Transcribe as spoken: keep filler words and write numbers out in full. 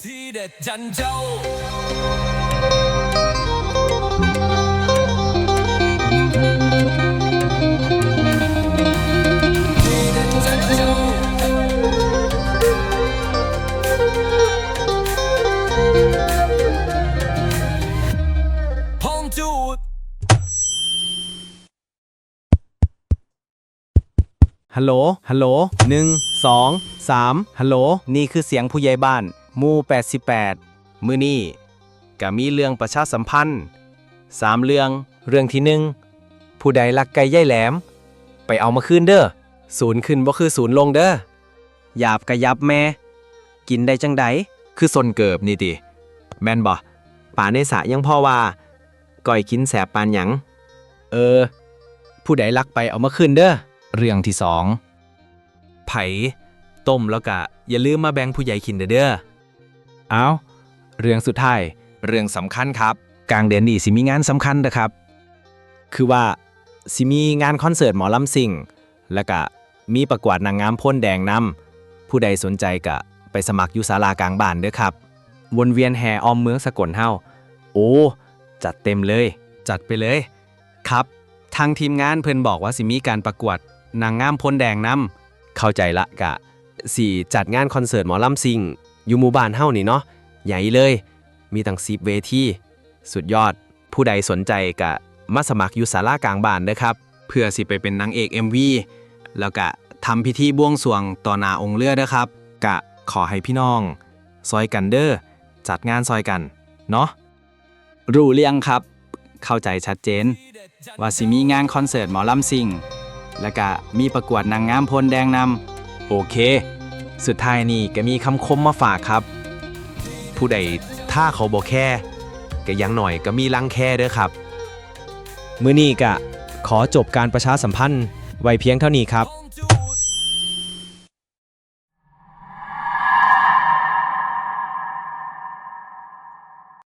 ที่เด็ดจันเจ้าที่เด็ดจันเจ้าห้องจูดฮัลโหล ฮัลโหล หนึ่ง สอง สาม ฮัลโหล นี่คือเสียงผู้ใหญ่บ้านหมู่แปดสิบแปดมื้อนี้ก็มีเรื่องประชาสัมพันธ์สามเรื่อง เรื่องที่หนึ่งผู้ใดลักไก่ย่ายแหลม ไปเอามาคืนเด้อ ศูนย์ขึ้นบ่คือศูนย์ลงเด้อหยาบกะยับแม่ กินได้จังใดคือซนเกิบนี่ติ แม่นบ่ป่าในสระยังพ่อว่าก้อยกินแสบปานหยัง เออ ผู้ใดลักไปเอามาคืนเด้อ เรื่องที่สองไผ่ต้มแล้วก็อย่าลืมมาแบ่งผู้ใหญ่กินเด้อเอาเรื่องสุดท้ายเรื่องสำคัญครับกลางเดือนนี้สิมีงานสำคัญนะครับคือว่าสิมีงานคอนเสิร์ตหมอลำซิ่งแล้วก็มีประกวดนางงามพ่นแดงนำผู้ใดสนใจก็ไปสมัครอยู่ศาลากลางบ้านเด้อครับวนเวียนแห่อ้อมเมืองสกลเฮาโอ้จัดเต็มเลยจัดไปเลยครับทางทีมงานเพิ่นบอกว่าสิมีการประกวดนางงามพ้นแดงนำเข้าใจละกะสี่จัดงานคอนเสิร์ตหมอลำซิงอยู่หมู่บ้านเฮานี่เนาะใหญ่เลยมีตั้งสิบเวทีสุดยอดผู้ใดสนใจกะมาสมัครอยู่ศาลากลางบ้านเด้อครับเพื่อสิไปเป็นนางเอก เอ็ม วี แล้วกะทำพิธีบวงสรวงต่อหน้าองค์เลือเด้อครับกะขอให้พี่น้องซอยกันเด้อจัดงานซอยกันเนาะรู้เรื่องครับเข้าใจชัดเจนว่าสิมีงานคอนเสิร์ตหมอลำซิงแล้วก็มีประกวดนางงามพลแดงนำโอเคสุดท้ายนี่ก็มีคำคมมาฝากครับผู้ใดถ้าเขาบ่แค่ก็ยังหน่อยก็มีลังแค่เด้อครับมื้อนี้ก็ขอจบการประชาสัมพันธ์ไว้เพียงเท่านี้ครับ